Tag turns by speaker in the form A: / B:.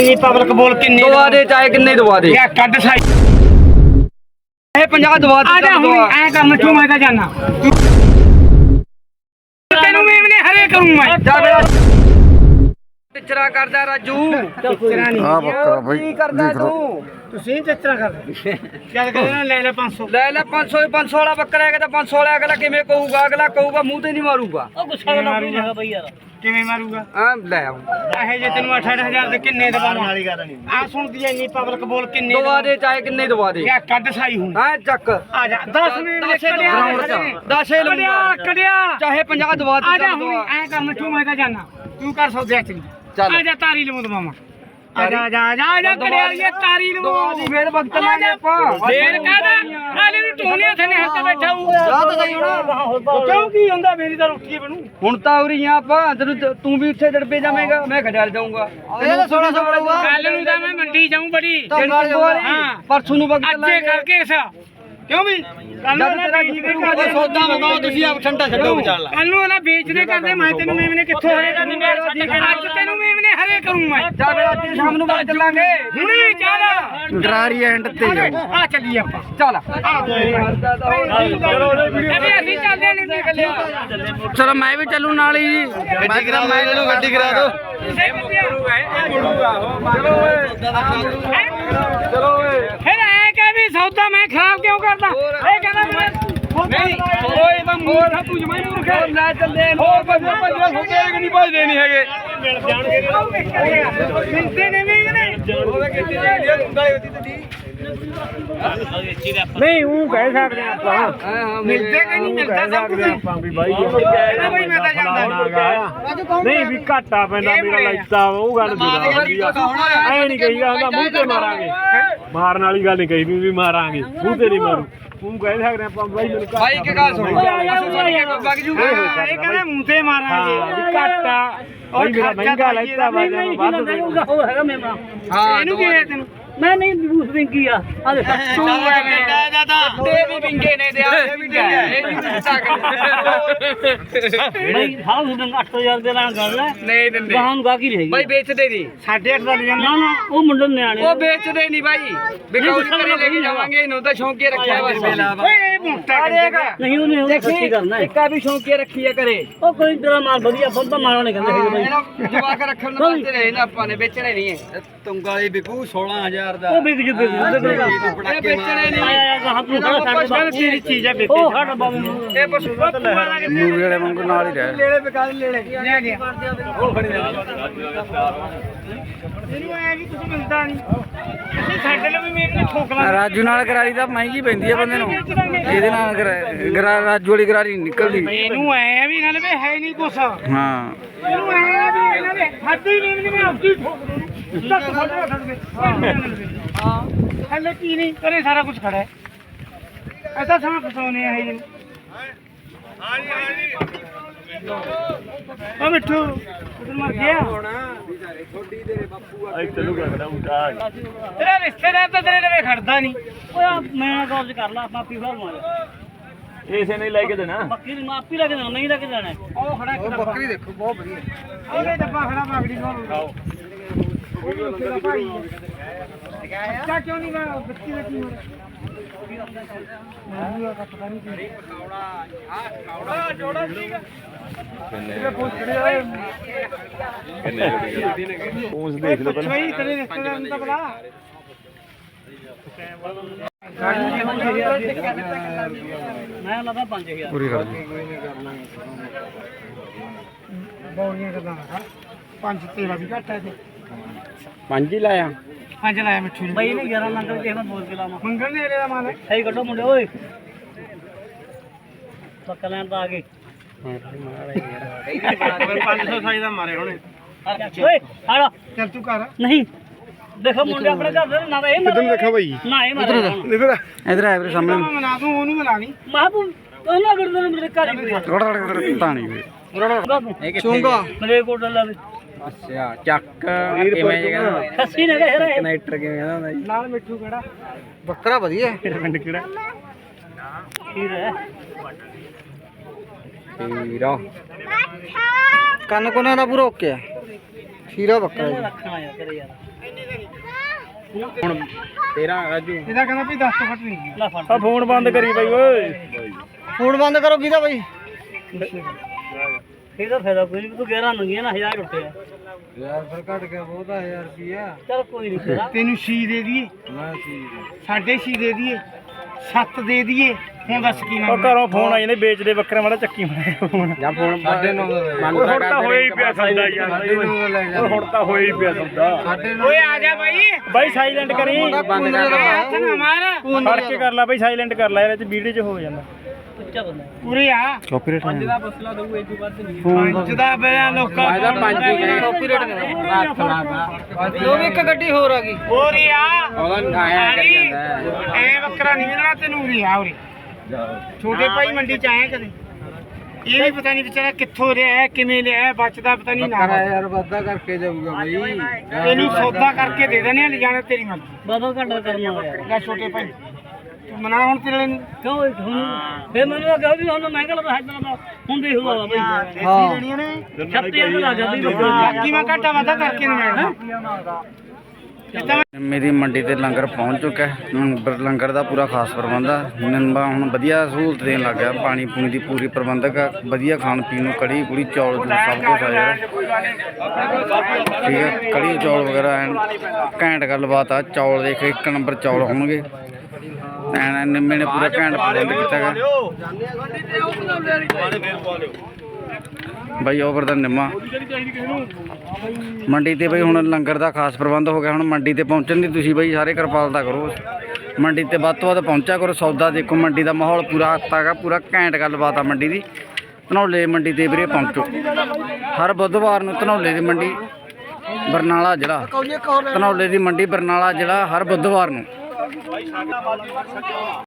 A: Public बोल किन्ने
B: दवा दे चाहे किन्ने दवा दे
A: या कट साई
B: 50 दवा दे
A: आजा हुन ऐ कर मचू मैं जाना तेनू मैं हरे करूं मैं
B: टिचरा करदा राजू
A: टिचरा नहीं
C: ਆ ਬੱਕਰਾ ਭਾਈ
B: की करदा
C: देख लो
B: तू
A: ਤੁਸੀਂ टिचरा कर ਚੱਲ ਕਹਿੰਦਾ ਲੈ ਲੈ 500
B: ਲੈ ਲੈ 500 500 ਵਾਲਾ ਬੱਕਰਾ ਹੈਗਾ ਤਾਂ 500 ਵਾਲਾ ਅਗਲਾ ਕਿਵੇਂ ਕਹੂਗਾ ਅਗਲਾ ਕਹੂਗਾ ਮੂੰਹ ਤੇ ਨਹੀਂ ਮਾਰੂਗਾ
A: ਉਹ ਗੁੱਸਾ ਦਾ ਮਾਰੂਗਾ ਬਈ ਯਾਰ ਕਿਵੇਂ ਮਾਰੂਗਾ
B: ਹਾਂ ਲੈ ਆਉਂ
A: ਇਹ ਜੇ ਤੈਨੂੰ 8-8000 ਦੇ ਕਿੰਨੇ ਦਵਾਵਾਂ ਵਾਲੀ ਗੱਲ ਨਹੀਂ ਆ ਸੁਣਦੀ ਐ ਇੰਨੀ ਪਬਲਿਕ ਬੋਲ ਕਿੰਨੇ
B: ਦਵਾ ਦੇ ਚਾਹੇ ਕਿੰਨੇ ਦਵਾ ਦੇ
A: ਯਾ ਕੱਢ ਸਾਈ ਹੂੰ
B: ਹਾਂ ਚੱਕ
A: ਆ ਜਾ 10 ਮਿੰਟ ਕੜਿਆ
B: ਦਸੇ
A: ਕੜਿਆ ਕੜਿਆ
B: ਚਾਹੇ 50 ਦਵਾ
A: ਆ
B: ਦੇ
A: ਜਾ ਹੁਣ ਐ ਕਰ ਮਚੂ ਮੈਂ ਤਾਂ ਜਾਣਾ ਤੂੰ ਕਰ ਸੌਦੇ ਚ
B: ਚੱਲ।
A: ਆ ਜਾ ਤਾਰੀ ਲਵਾਂ ਦਵਾਵਾਂ ਆ ਜਾ ਜਾ ਜਾ ਜਾ ਕੜਿਆ ਇਹ ਤਾਰੀ
B: ਦਵਾ ਦੀ
A: ਲਵਾਂ
B: ਫੇਰ ਵਕਤ ਲਾਂਗੇ ਆਪਾਂ
A: ਫੇਰ ਕਾਹਦਾ ਹਾਲੇ ਨੂੰ ਟੋਨੀਆਂ ਥਨੇ ਹੱਥ ਬੈਠਾ ਹੂੰ
B: ਜਾ ਤਾਂ ਸਹੀ ਹੁਣ
A: ਕਿਉਂ ਕੀ ਹੁੰਦਾ ਮੇਰੀ ਤਾਂ ਰੋਟੀ ਬਣੂ
B: ਹੁਣ ਤਾਂ ਉਰੀ ਆ ਆਪਾਂ ਤੈਨੂੰ ਤੂੰ ਵੀ ਉੱਥੇ ਦੜਪੇ ਜਾਵੇਂਗਾ ਮੈਂ ਖੜਿਆਲ ਜਾਊਂਗਾ ਇਹ ਤਾਂ 1600 ਬੜੂਗਾ
A: ਕੱਲ ਨੂੰ ਤਾਂ ਮੈਂ ਮੰਡੀ ਜਾਊਂ ਬੜੀ
B: ਹਾਂ ਪਰਸੋਂ ਨੂੰ ਵਕਤ
A: ਅੱਜੇ ਕਰਕੇ ਇਸ ਕਿਉਂ ਵੀ ਕੱਲ ਨੂੰ ਨਾ ਵੇਚਦੇ ਕਰਦੇ
B: ਸੌਦਾ ਮੰਗਾਓ ਤੁਸੀਂ ਆਪ ਠੰਡਾ ਛੱਡੋ ਵਿਚਾਰ
A: ਕੱਲ ਨੂੰ ਨਾ ਵੇਚਦੇ ਕਰਦੇ ਮੈਂ ਤੈਨੂੰ ਮੇਮਨੇ ਕਿੱਥੋਂ ਹਰੇ ਕਰੂੰਗਾ ਅੱਜ ਤੈਨੂੰ ਮੇਮਨੇ ਹਰੇ ਕਰੂੰ ਮੈਂ
B: ਜਾ ਫਿਰ ਅੱਜ ਸ਼ਾਮ ਨੂੰ ਬਾਅਦ ਚੱਲਾਂਗੇ
A: ਹੁਣੇ ਚੱਲ
C: ਗਰਾਰੀ ਐਂਡ ਤੇ ਜਾਓ
A: ਆ ਚੱਲੀ ਆਪਾਂ
B: ਚੱਲ
A: ਅਬੇ ਅਸੀਂ ਚੱਲਦੇ ਨਹੀਂ ਨਿਕਲਿਆ
C: ਚਲੋ ਮੈਂ ਵੀ ਚੱਲੂ ਨਾਲ ਹੀ ਜੀ ਮੈਂ ਕਿਹਾ ਮੈਂ ਇਹਨੂੰ ਗੱਡੀ ਕਰਾ ਦੋ
B: ਚਲੋ ਓਏ
A: ਫਿਰ ਐ ਕਹਿ ਵੀ ਸੌਦਾ ਮੈਂ ਖਰਾਬ ਕਿਉਂ ਕਰਦਾ ਇਹ ਕਹਿੰਦਾ
B: ਨਹੀਂ ਓਏ ਤਾਂ ਮੋਰ ਤੂੰ ਜਮਾਈ ਮੂਰਖ ਲੈ ਚੱਲੇ ਹੋਰ ਭੱਜੋ ਹੁੰਦੇ ਕਿ ਨਹੀਂ ਭੱਜਦੇ ਨਹੀਂ ਹੈਗੇ
A: ਮਿਲ ਜਾਣਗੇ ਮਿਲਦੇ ਨੇ ਵੀ ਨਹੀਂ
B: ਉਹਦੇ ਕਿੱਥੇ ਜਾਂਦੀ ਹੁੰਦਾ ਹੀ ਤੇ
A: ਨਹੀਂ ਉਹ ਕਹਿ ਸਕਦੇ ਆਪਾਂ
B: ਹਾਂ
A: ਮਿਲਦੇ ਕਿ ਨਹੀਂ ਮਿਲਦਾ ਸਭ ਕੁਝ
D: ਆਪਾਂ ਵੀ ਬਾਈ
A: ਇਹਦਾ ਬਈ ਮੈਂ ਤਾਂ ਜਾਂਦਾ
D: ਨਹੀਂ ਵੀ ਘਾਟਾ ਪੈਂਦਾ ਮੇਰਾ ਲੈਤਾ ਉਹ ਗੱਲ ਨਹੀਂ ਐ ਨਹੀਂ ਕਹੀਦਾ ਹੁੰਦਾ ਮੂੰਹ ਤੇ ਮਾਰਾਂਗੇ ਮਾਰਨ ਵਾਲੀ ਗੱਲ ਨਹੀਂ ਕਹੀ ਵੀ ਮਾਰਾਂਗੇ ਮੂੰਹ ਤੇ ਨਹੀਂ ਮਾਰੂ ਤੂੰ ਕਹਿ ਸਕਦੇ ਆਪਾਂ ਬਾਈ ਮੈਨੂੰ
B: ਭਾਈ ਇੱਕ ਗੱਲ ਸੁਣ ਵਗ ਜੂਗਾ
A: ਇਹ ਕਹਿੰਦਾ ਮੂੰਹ ਤੇ ਮਾਰਾਂਗੇ
D: ਵੀ ਘਾਟਾ ਬਾਈ ਮੇਰਾ ਮਹਿੰਗਾ ਲੈਤਾ ਵਾ ਜਦੋਂ ਵੱਧ ਦੇ
A: ਉਹ ਹੈਗਾ ਮੇਮਣਾ
B: ਹਾਂ
A: ਇਹਨੂੰ ਕੀ ਹੈ ਤੈਨੂੰ
E: ਮੈਂ ਨਹੀਂ ਬੂਸ ਵਿੰਗੀ ਆ ਆ ਦੇਖ
A: ਤੂੰ ਐਵੇਂ
B: ਤੇ ਵੀ ਵਿੰਗੇ ਨੇ ਤੇ ਆਪੇ ਵੀ ਇਹ ਵੀ ਦਿੱਤਾ
E: ਬਈ ਹਾਲ ਨੂੰ 8000 ਦੇ ਨਾਲ ਗੱਲ ਹੈ
B: ਨਹੀਂ ਦਿੰਦੇ
E: ਗਾਹਾਂ ਨੂੰ ਗਾਕੀ ਰਹੇਗੀ
B: ਭਾਈ ਵੇਚਦੇ ਨਹੀਂ
A: 8.5 ਦਾ ਲੈ
E: ਨਾ ਨਾ ਉਹ ਮੁੰਡੇ ਨੂੰ ਨਿਆਣੇ
B: ਉਹ ਵੇਚਦੇ ਨਹੀਂ ਭਾਈ ਬਿਕਾਉ ਕਰੇ ਲੈ ਕੇ ਜਾਵਾਂਗੇ ਇਹਨੂੰ ਤਾਂ ਸ਼ੌਂਕੀ ਰੱਖਿਆ ਬਸ ਮੇਲਾ ਵਾ
A: ਓਏ ਇਹ ਮੋਟਾ
E: ਨਹੀਂ ਉਹਨੇ ਉਹ ਸੱਚੀ ਕਰਨਾ ਹੈ
B: ਇੱਕਾ ਵੀ ਸ਼ੌਂਕੀ ਰੱਖੀ ਕਰੇ
E: ਉਹ ਕੋਈ ਤੇਰਾ ਮਾਲ ਵਧੀਆ ਬੰਦਾ ਮਾਰਨਾ ਨਹੀਂ ਕਹਿੰਦੇ ਹੈਗੇ ਬਈ
B: ਜਵਾਕ ਰੱਖਣ ਨੂੰ ਵਾਸਤੇ ਰਹੇ ਨਾ ਆਪਾਂ ਨੇ ਵੇਚਣੇ ਨਹੀਂ ਹੈ ਤੁੰਗਾਲੀ ਵਿਕੂ 16000 ਦਾ
E: ਉਹ ਵਿਕ ਜੂ ਵਿਕ ਜੂ
B: ਇਹ ਵੇਚਣੇ ਨਹੀਂ
E: ਆਇਆ ਗਾਹਾਂ ਤੂੰ ਖੜਾ ਸਾਡੇ
A: ਤੇਰੀ ਚੀਜ਼ ਹੈ ਬੇਟੇ
E: ਉਹ ਸਾਡਾ ਬਾਬੂ ਨੂੰ
B: ਇਹ ਪਸ਼ੂ
C: ਮੂਵੀ ਵਾਲੇ ਵਾਂਗੂ ਨਾਲ ਹੀ ਰਹਿ
B: ਲੇਲੇ ਵਿਕਾਲ ਲੇਲੇ
A: ਲੈ ਗਿਆ ਇਹਨੂੰ ਐ ਵੀ ਕੁਝ ਮਿਲਦਾ ਨਹੀਂ ਅਸੀਂ ਸਾਡੇ ਲਈ ਵੀ ਮੇਰੇ ਠੋਕ ਲਾ
C: ਰਾਜੂ ਨਾਲ ਗਰਾਰੀ ਤਾਂ ਮਹਿੰਗੀ ਪੈਂਦੀ ਆ ਬੰਦੇ ਨੂੰ ਇਹਦੇ ਨਾਲ ਰਾਜੂ ਵਾਲੀ ਗਰਾਰੀ ਨਹੀਂ ਨਿਕਲਦੀ
A: ਇਹਨੂੰ ਐ ਵੀ ਇਹਨਾਂ ਨੇ ਹੈ ਨਹੀਂ ਕੁਛ
C: ਹਾਂ
A: ਇਹਨੂੰ ਐ ਵੀ ਇਹਨਾਂ ਨੇ ਹੱਦੀ ਨਹੀਂ ਮੈਂ ਆਪਦੀ ਠੋਕ ਦੂੰ ਲੱਤ ਫੜ ਹਾਂ ਹਲੇ ਕੀ ਨਹੀਂ ਕਰੇ ਸਾਰਾ ਕੁਝ ਖੜਾ ਹੈ ਐਸਾ ਸਮਾਂ ਫਸਾਉਣੇ ਆ ਇਹ ਉਹ ਮਿੱਠੂ ਉਧਰ ਮਰ ਗਿਆ
D: ਚਲੂ ਕਰਦਾ ਹੁੰਦਾ
A: ਤੇਰਾ ਰਿਸ਼ਤੇਦਾਰ ਤਾਂ ਤੇਰੇ ਲਵੇ ਖੜਦਾ ਨਹੀਂ
E: ਓਏ ਮੈਂ ਕਾਬਜ਼ ਕਰ ਲਾ ਆਪਾ ਪੀਵਾ ਮਾਰ
D: ਇਸੇ ਨਹੀਂ ਲੈ ਕੇ ਦੇਣਾ
E: ਬੱਕੀ ਨੂੰ ਆਪੀ ਲੈ ਕੇ ਦੇਣਾ ਨਹੀਂ ਲੈ ਕੇ ਦੇਣਾ
A: ਉਹ ਖੜਾ ਇੱਕ ਡੱਬਾ
B: ਬੱਕਰੀ ਦੇਖੋ ਬਹੁਤ ਵਧੀਆ
A: ਉਹਦੇ ਡੱਬਾ ਖੜਾ ਬਾਗੜੀ ਨੂੰ ਖਾਓ ਅੱਛਾ ਕਿਉਂ ਨਹੀਂ ਗਾ ਬੱਚੀ ਦਾ ਕੀ
D: ਪੂੰਛ ਦੇਖ ਲਓ ਪਹਿਲਾਂ
A: ਬਈ ਤੇਰੇ ਰਿਸ਼ਤੇਦਾਰ ਨੂੰ ਤਾਂ ਬੁਲਾ
E: ਮੈਂ ਲਗਾ 5000
C: ਪੂਰੀ ਕਰ ਦੇ
A: ਬੌਲੀਆਂ ਕਰਦਾ ਪੰਜ ਤੇਰਾ ਵੀ ਘੱਟ ਹੈ ਤੇ
C: ਪੰਜ ਹੀ ਲਾਇਆ
A: ਪੰਜ ਲਾਇਆ ਮਿੱਠੂ ਨੇ
E: ਬਈ ਨੇ 11 ਮੰਗਲ ਕਿਸੇ ਨਾਲ ਬੋਲ ਕੇ ਲਾਵਾਂ
A: ਮੰਗਣ ਨੇ ਇਹਦਾ ਮਾਲ ਹੈ
E: ਸਹੀ ਕੱਢੋ ਮੁੰਡੇ ਓਏ ਪੱਕਾ ਲੈਣ ਤਾਂ ਆ ਗਏ
A: 500 ਸਾਈ ਦਾ ਮਾਰੇ ਹੋਣੇ
E: ਓਏ ਹਾੜਾ
A: ਚੱਲ ਤੂੰ ਕਰ
E: ਨਹੀਂ ਦੇਖੋ ਮੁੰਡੇ ਆਪਣੇ ਘਰ ਦੇ ਨਾ ਇਹ
D: ਕਿੱਧਰ ਨੂੰ ਦੇਖਾ ਬਾਈ
E: ਨਾ ਇਹ ਮਾਰ
C: ਇਧਰ ਆ ਵੀਰੇ ਸਾਹਮਣੇ
A: ਮੈਂ ਮਨਾ ਦੂੰ ਉਹਨੂੰ ਮਿਲਾ ਨਹੀਂ
E: ਮਾਹਬੂ ਉਹਨਾਂ ਕਰਦੇ ਨੇ ਮੇਰੇ ਘਰ ਹੀ
C: ਰੜ ਤਾਣੀ ਵੇ
B: ਚੁੰਗਾ
E: ਮੇਰੇ ਕੋਲ ਡੱਲਾ ਵੀ
B: ਅੱਛਾ ਚੱਕ ਕਿਵੇਂ ਜਗਾ
E: ਖੱਸੀ ਨੇ ਕਹਿ ਰਿਹਾ
B: ਕਨੈਕਟਰ ਕਿਵੇਂ ਕਹਿੰਦਾ ਹੁੰਦਾ ਜੀ
A: ਨਾਲ ਮਿੱਠੂ ਕਿਹੜਾ
B: ਬੱਕਰਾ ਵਧੀਆ
D: ਪਿੰਡ ਕਿਹੜਾ
E: ਖੀਰ ਹੈ
B: ਹੀਰਾ ਕੰਨ ਕੋਨੇ ਦਾ ਪੂਰਾ ਓਕੇ ਆ ਹੀਰਾ ਬੱਕਰਾ ਜੀ
E: ਰੱਖਣਾ ਯਾਰ ਤੇਰੇ ਯਾਰ
B: ਹੁਣ 13 ਰਾਜੂ
A: ਇਹਦਾ ਕਹਿੰਦਾ ਵੀ 10 ਤੋਂ ਘੱਟ ਨਹੀਂ
E: ਲੈ ਫੜ
D: ਆ ਫੋਨ ਬੰਦ ਕਰੀ ਬਾਈ ਓਏ
A: ਫੋਨ ਬੰਦ ਕਰੋ ਕਿਹਦਾ ਬਾਈ
E: ਇਹਦਾ ਫਾਇਦਾ ਕੋਈ ਨਹੀਂ, ਤੂੰ 11 ਮੰਗੀਆਂ ਨਾ 1000 ਰੁਪਏ
B: ਯਾਰ ਫਿਰ ਘਟ ਗਿਆ ਬਹੁਤਾ 1000 ਰੁਪਿਆ
E: ਚਲ ਕੋਈ ਨਹੀਂ ਤੇਰਾ
A: ਤੈਨੂੰ 6 ਦੇ ਦਈਏ
B: ਮੈਂ ਸੀ
A: 6.5 ਦੇ ਦਈਏ 7 ਦੇ ਦਈਏ ਹੁਣ ਦੱਸ ਕੀ
D: ਉਹ
A: ਮੰਗਦਾ
D: ਘਰੋਂ ਫੋਨ ਆਈ ਨੇ ਵੇਚਦੇ ਬੱਕਰੇ ਮਾੜਾ ਚੱਕੀ ਮਾਰਿਆ ਫੋਨ
B: ਜਾਂ ਫੋਨ 9.5
D: ਓਏ ਹੁਣ ਤਾਂ ਹੋਇਆ ਹੀ ਪਿਆ ਸੌਦਾ ਯਾਰ ਓਏ ਹੁਣ ਤਾਂ ਹੋਇਆ ਹੀ ਪਿਆ ਸੌਦਾ
A: ਓਏ ਆ ਜਾ ਬਾਈ
D: ਬਾਈ ਸਾਇਲੈਂਟ ਕਰੀ
B: ਬੰਦ ਕਰ
A: ਹੱਥ ਨਾ ਮਾਰ
D: ਫੜ ਕੇ ਕਰ ਲੈ ਬਾਈ ਸਾਇਲੈਂਟ ਕਰ ਲੈ ਇਹਦੇ ਚ ਵੀਡੀਓ ਚ ਹੋ ਜਾਂਦਾ
E: ਉੱਚਾ ਬੰਦਾ
A: ਉਰੇ ਆ
C: ਕਾਪੀਰਾਈਟ
B: ਦਾ ਬਸਲਾ ਦਊ ਇਹ ਤੋਂ ਵੱਧ ਨਹੀਂ
A: ਪੰਜ ਦਾ ਬਿਆ ਲੋਕਾਂ
B: ਫਾਇਦਾ 5 ਹੀ ਗਏ ਕਾਪੀਰਾਈਟ
A: ਲੋ ਵੀ ਇੱਕ ਗੱਡੀ ਹੋਰ ਆ ਗਈ ਉਰੇ ਆ
B: ਉਹਦਾ ਆਇਆ ਕਰੀ ਜਾਂਦਾ
A: ਐ ਬੱਕਰਾ ਨਹੀਂ ਮਿਲਣਾ ਤੈਨੂੰ ਉਰੇ ਆ ਉਰੇ ਛੋਟੇ ਭਾਈ ਮੰਡੀ ਚ ਆਇਆ ਕਦੇ ਇਹ ਵੀ ਪਤਾ ਨਹੀਂ ਵਿਚਾਰਾ ਕਿੱਥੋਂ ਰਿਹਾ ਹੈ ਕਿਵੇਂ ਲਿਆ ਹੈ, ਬਚਦਾ ਪਤਾ ਨਹੀਂ ਨਾ
B: ਯਾਰ ਵਾਧਾ ਕਰਕੇ ਜਾਊਗਾ ਬਈ
A: ਇਹਨੂੰ ਸੌਦਾ ਕਰਕੇ ਦੇ ਦੇਣੇ ਆ ਲਿਜਾਣਾ ਤੇਰੀ ਮਰਜ਼ੀ
E: ਬਾਬਾ ਘੰਟਾ ਕਰਨਾ ਹੋਇਆ
A: ਲੈ ਛੋਟੇ ਭਾਈ ਤੂੰ ਮਨਾ ਹੁਣ ਤੇਰੇ ਨੂੰ
E: ਕਿਉਂ ਹੁਣ ਫੇ ਮੈਨੂੰ ਕਹੋ ਵੀ ਹੁਣ ਮਹਿੰਗਾ ਲੱਗਦਾ ਹੈ ਤਾਂ ਹੁਣ ਦੇਖ ਲਓ ਬਈ
A: ਹਾਂ ਲੈਣੀਆਂ ਨੇ
E: 36 ਲੱਗ ਜਾਂਦੀ
A: ਬਾਕੀ ਮੈਂ ਘਾਟਾ ਵਾਧਾ ਕਰਕੇ ਨਹੀਂ ਮਿਲਣਾ ਇਹ ਤਾਂ
C: ਮੇਰੀ ਮੰਡੀ ਤੇ ਲੰਗਰ ਪਹੁੰਚ ਚੁੱਕਾ ਹੈ। ਲੰਗਰ ਦਾ ਪੂਰਾ ਖਾਸ ਪ੍ਰਬੰਧ ਆ। ਨਿੰਬਾ ਹੁਣ ਵਧੀਆ ਸਹੂਲਤ ਦੇਣ ਲੱਗ ਗਿਆ। ਪਾਣੀ ਪੂਣੀ ਦੀ ਪੂਰੀ ਪ੍ਰਬੰਧਕ ਆ। ਵਧੀਆ ਖਾਣ ਪੀਣ ਨੂੰ ਕੜੀ ਕੁੜੀ ਚੌਲ ਚੂਲ ਸਭ ਕੁਝ ਆ ਯਾਰ ਠੀਕ ਹੈ। ਕੜੀ ਚੌਲ ਵਗੈਰਾ ਐਨ ਘੈਂਟ ਗੱਲਬਾਤ ਆ। ਚੌਲ ਦੇਖ ਇੱਕ ਨੰਬਰ ਚੌਲ ਹੋਣਗੇ ਐਨ ਨਿੰਮੇ ਨੇ ਪੂਰਾ ਘੈਂਟ ਪ੍ਰਬੰਧ ਕੀਤਾ ਗਾ ਬਾਈ ਓਵਰ ਦਾ ਨਿੰਮਾ ਮੰਡੀ ਤੇ ਬਈ ਹੁਣ ਲੰਗਰ ਦਾ ਖਾਸ ਪ੍ਰਬੰਧ ਹੋ ਗਿਆ। ਹੁਣ ਮੰਡੀ ਤੇ ਪਹੁੰਚਣ ਦੀ ਤੁਸੀਂ ਬਈ ਸਾਰੇ ਕਿਰਪਾਲਤਾ ਕਰੋ। ਮੰਡੀ ਤੇ ਵੱਧ ਤੋਂ ਵੱਧ ਪਹੁੰਚਿਆ ਕਰੋ। ਸੌਦਾ ਦੇਖੋ ਮੰਡੀ ਦਾ ਮਾਹੌਲ ਪੂਰਾ ਹੱਤਾ ਗਾ ਪੂਰਾ ਘੈਂਟ ਗੱਲਬਾਤ ਆ ਮੰਡੀ ਦੀ। ਧਨੌਲੇ ਮੰਡੀ ਤੇ ਵੀਰੇ ਪਹੁੰਚੋ ਹਰ ਬੁੱਧਵਾਰ ਨੂੰ। ਧਨੌਲੇ ਦੀ ਮੰਡੀ ਬਰਨਾਲਾ ਜ਼ਿਲ੍ਹਾ ਧਨੌਲੇ ਦੀ ਮੰਡੀ ਬਰਨਾਲਾ ਜ਼ਿਲ੍ਹਾ ਹਰ ਬੁੱਧਵਾਰ ਨੂੰ।